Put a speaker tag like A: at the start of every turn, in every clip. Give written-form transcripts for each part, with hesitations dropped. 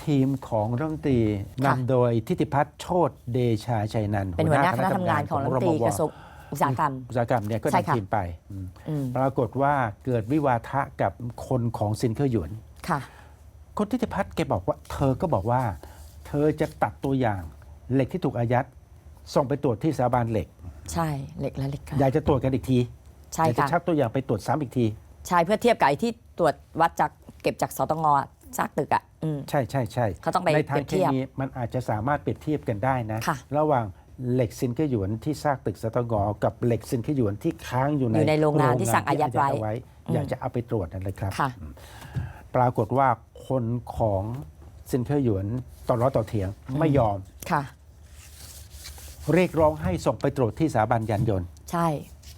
A: ทีมของรัฐมนตรีนำโดยทิติพัฒน์โชติเดชาชัยนันท์
B: เป็นหัวหน้าคณะทำงานของรัฐมนตรีกระทรวงอุตสาหกรรม
A: เนี่ยก็
B: ใช่ค่ะ
A: นำทีมไปปรากฏว่าเกิดวิวาทะกับคนของซินเคอร์หยวน
B: ค่ะ
A: คนทิติพัฒน์แกบอกว่าเธอก็บอกว่า เธอจะตัดตัวอย่างเหล็กที่ถูกอายัดส่งไปตรวจที่สถาบันเหล็ก
B: ใช่เหล็กและเหล็กค่ะ
A: อยากจะตรวจกันอีกที
B: ใช่
A: อยากจะ
B: ค่ะ
A: ชักตัวอย่างไปตรวจซ้ำอีกที
B: ใช่เพื่อเทียบกับไอ้ที่ตรวจวัดจากเก็บจากสตงซากตึกอ่ะ
A: ใช่ใช่ใช่
B: เขาต้องไป
A: ในทา
B: เปรี
A: ง
B: ยบ
A: เค
B: เทียบ
A: มีมันอาจจะสามารถเปรียบเทียบกันได้นะ
B: ค่ะ
A: ระหว่างเหล็กซินเคอร์หยวนที่ซากตึกสตงกับเหล็กซินเคอร์หยวนที่ค้างอยู่
B: อยู่ในโรงงานที่สั่งอายัดไว้
A: อยากจะเอาไปตรวจนั่นเลยครับ
B: ค่ะ
A: ปรากฏว่าคนของซินเคอร์หยวนต่อร้อต่อเถียงไม่ยอม
B: ค่ะ
A: เรียกร้องให้ส่งไปตรวจที่สถาบันยานยนต์
B: ใช่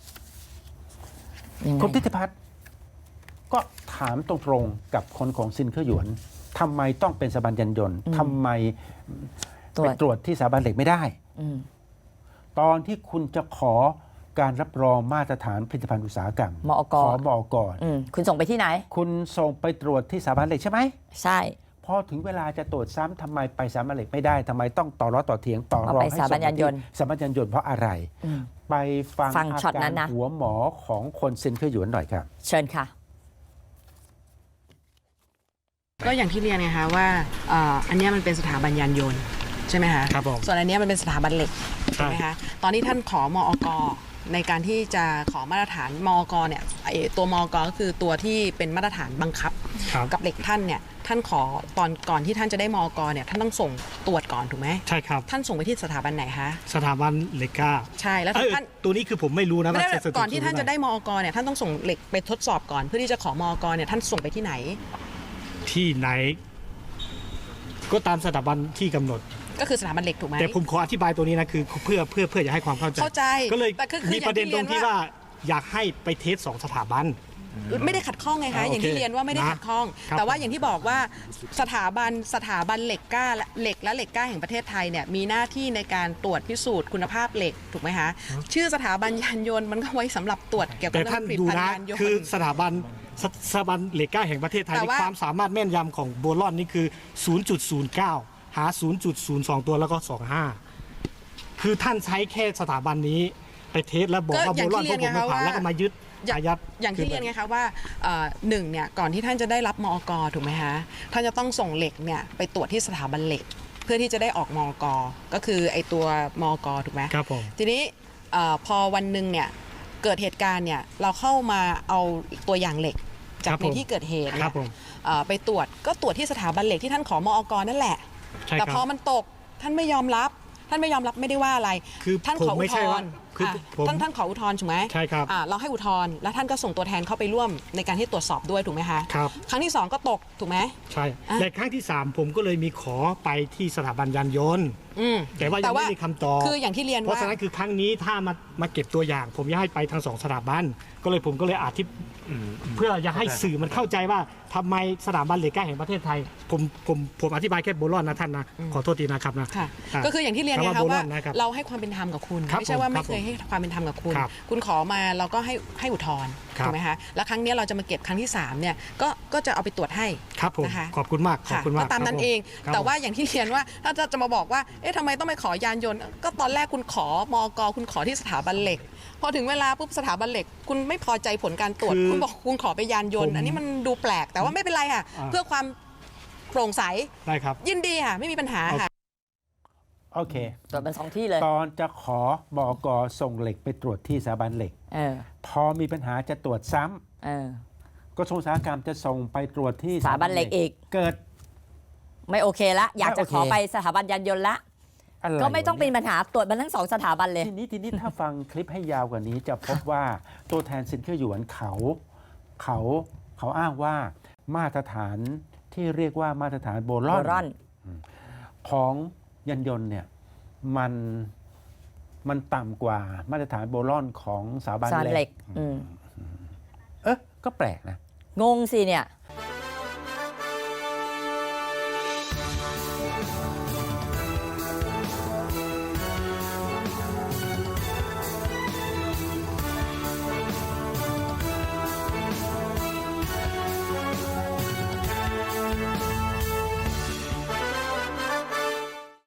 B: ยังไง
A: คุณทิติพัฒน์ก็ถามตรงๆกับคนของซินเคอร์หยวนทำไมต้องเป็นสถาบันยานยนต์ทำไมไปตรวจที่สถาบันเหล็กไม่ได้
B: อืม
A: ตอนที่คุณจะขอการรับรองมาตรฐานผลิตภัณฑ์อุตสาหกรรม
B: มอก
A: ขอมอกร
B: คุณส่งไปที่ไหน
A: คุณส่งไปตรวจที่สถาบันเหล็กใช่ไหม
B: ใช่
A: พอถึงเวลาจะตรวจซ้ำทำไมไปสถาบันเหล็กไม่ได้ทำไมต้องต่อร้อต่อเถียงต่อรองให้
B: เอาไปสถาบันยานยนต์
A: สถาบันยานยนต์เพราะอะไร ไปฟัง
B: ฟัง
A: อา
B: ช็อตนั้
A: การ
B: นนะ
A: หัวหมอของคนซินเคอร์หยวนหน่อยครับ
B: เชิญค่ะ
C: ก็อย่างที่เรียนไงคะว่าอันเนี้ยมันเป็นสถาบันยานยนต์ใช่ไหมคะ
D: ครับผม
C: ส่วนอันเนี้ยมันเป็นสถาบันเหล็ก
D: ใช่
C: ใช่ไหมคะตอนที่ท่านขอมอกในการที่จะขอมาตรฐานมอกเนี่ยไอ้ตัวมอกก็คือตัวที่เป็นมาตรฐานบังคับ
D: ครับ
C: กับเหล็กท่านเนี่ยท่านขอตอนก่อนที่ท่านจะได้มอกเนี่ยท่านต้องส่งตรวจก่อนถูกไหม
D: ใช่ครับ
C: ท่านส่งไปที่สถาบันไหนคะ
D: สถาบันเลก้า
C: ใช่แล้วท่าน
D: ตัวนี้คือผมไม่รู้นะ
C: ไม่ได้
D: ว่า
C: ก่อนที่ท่านจะได้มอกเนี่ยท่านต้องส่งเหล็กไปทดสอบก่อนเพื่อที่จะขอมอกเนี่ยท่านส่งไปที่ไหน
D: ที่ไหน ก็ตามสถาบันที่กำหนด
C: ก็คือสถาบันเหล็กถูกไหม
D: แต่ผมขออธิบายตัวนี้นะคือเพื่ออยากให้ความเข้าใจ
C: เข้าใจ
D: ก็เลย
C: แต่คือ
D: มีประเด็นตรงที่
C: อย่างที่เรียนว่า
D: ว่าอยากให้ไปเทส2 สถาบัน
C: ไม่ได้ขัดข้องไงคะ
D: โอเค
C: อย่างที่เรียนว่าไม่ได้
D: นะ
C: ขัดข้อง
D: ครับ
C: แต่ว่าอย่างที่บอกว่าสถาบันเหล็กกล้าและเหล็กแห่งประเทศไทยเนี่ยมีหน้าที่ในการตรวจพิสูจน์คุณภาพเหล็กถูกไหมคะชื่อสถาบันยานยนต์มันก็ไว้สำหรับตรวจเกี่ยวกับ
D: แต่
C: เรื่
D: ท่า
C: อน งผลิต
D: ดู
C: ภัณฑ์
D: นะ
C: ยานยน
D: คือ
C: ต์
D: สถาบันเลก้าแห่งประเทศไทย
C: แต่
D: ใน
C: ว่า
D: ความสามารถแม่นยำของโบลอนนี่คือ 0.09 หา 0.02 ตัวแล้วก็ 25 คือท่านใช้แค่สถาบันนี้ไปเทสแล้วบอกว่าโบลอนพวกผมไม่ผ่านแล้วก็มายึดอายัด
C: อย่างที่เรียนไงคะว่าหนึ่งเนี่ยก่อนที่ท่านจะได้รับมอกถูกไหมคะท่านจะต้องส่งเหล็กเนี่ยไปตรวจที่สถาบันเหล็ก เพื่อที่จะได้ออกมอกก็คือไอตัวมอกถูกไหม
D: ครับผม
C: ทีนี้พอวันหนึ่งเนี่ยเกิดเหตุการณ์เนี่ยเราเข้ามาเอาตัวอย่างเหล็กจากในที่เกิดเหตุ
D: ครับผม
C: ไปตรวจก็ตรวจที่สถาบันเหล็กที่ท่านขอมอกนั่นแหละ
D: ใช่
C: แต่
D: ค
C: พ
D: รั
C: อบ มันตกท่านไม่ยอมรับไม่ได้ว่าอะไร
D: คือ
C: ท่าน
D: ผม
C: ขออุ
D: ไม่
C: ท
D: ใช่
C: ธ
D: ว่าร
C: ณ์
D: คือผม
C: ท่านขออุทธรณ์ถูกไหม
D: ใช่ครับ
C: เราให้อุทธรณ์แล้วท่านก็ส่งตัวแทนเข้าไปร่วมในการที่ตรวจสอบด้วยถูกไหมคะ
D: ครับ
C: ครั้งที่สองก็ตกถูกไหม
D: ใช่
C: อ่ะ
D: แต่ครั้งที่ 3 ผมก็เลยมีขอไปที่สถาบันยานยนต์
C: อืม
D: แต่ว่ายังไม่มีคำตอบ
C: คืออย่างที่เรียน
D: เพราะ
C: ว่า
D: ฉะนั้นคือครั้งนี้ถ้ามาเก็บตัวอย่าง ผมอยากให้ไปทั้ง2 สถาบันผมก็เลยอธิบเพื่ออยากให้สื่อมันเข้าใจว่าทำไมสถาบันเหล็กกล้าแห่งประเทศไทย ผมอธิบายแค่โบลอนนะท่านนะขอโทษทีนะครับนะ
C: ค่ะ
D: ะ
C: ก็คืออย่างที่เรียนไง
D: คำ
C: คะ
D: โบร
C: ว่า
D: อนนะครับ
C: เราให้ความเป็นธรรมกับคุณ
D: ครับ
C: ไม่ใช่ว่า
D: ผม
C: ไม่เคยให้ความเป็นธรรมกับคุณ
D: ครับ
C: คุณขอมาเราก็ให้อุทธรณ์
D: ครับ
C: ถูกไหมคะแล้วครั้งนี้เราจะมาเก็บครั้งที่3เนี่ยก็จะเอาไปตรวจให้
D: ครับผม
C: นะคะ
D: ขอบคุณมากขอบ
C: ค่ะ
D: คุณมาก
C: ก็ตามนั้น
D: ครับผ
C: เอง
D: ครับ
C: แต่ว่า
D: ผม
C: อย่างที่เรียนว่าถ้าจะมาบอกว่าเอ๊ะทำไมต้องไปขอยานยนต์ก็ตอนแรกคุณขอมอกคุณขอที่สถาบันเหล็ก พอถึงเวลาปุ๊บสถาบันเหล็ก คุณไม่พอใจผลการตรวจ
D: คือ
C: คุณบอกคุณขอไปยานยนต์ อันนี้มันดูแปลกแต่ว่าไม่เป็นไรค่ะ เพื่อความโปร่งใส
D: ได้ครับ
C: ยินดีค่ะไม่มีปัญหาค่ะ
A: โอเค
B: ตรวจเป็น2 ที่เลย
A: ตอนจะขอบอกส่งเหล็กไปตรวจที่สถาบันเหล็ก พอมีปัญหาจะตรวจซ้ำกระทรวงอุตสาหกรรมจะส่งไปตรวจที่
B: สถาบันเหล็กอีก
A: เกิด
B: ไม่โอเคละอยากจะ
A: ไม่โอเค
B: ขอไปสถาบันยานยนต์ละ
A: อะไร
B: ก็ไม่ต้องเป็น
A: วะ
B: ปัญหาตรวจมันทั้ง2 สถาบันเลย
A: ทีนี้ถ้าฟังคลิปให้ยาวกว่านี้จะพบว่าตัวแทนซินเคอร์หยวนเขาอ้างว่ามาตรฐานที่เรียกว่ามาตรฐานโบลอน
B: โบรอน
A: ของยานยนต์เนี่ยมันต่ำกว่ามาตรฐานโบลอนของสถาบัน
B: สถาบัน
A: เห
B: เห
A: ล็
B: ล็
A: ก
B: ก
A: ก็แปลกนะ
B: งงสิเนี่ย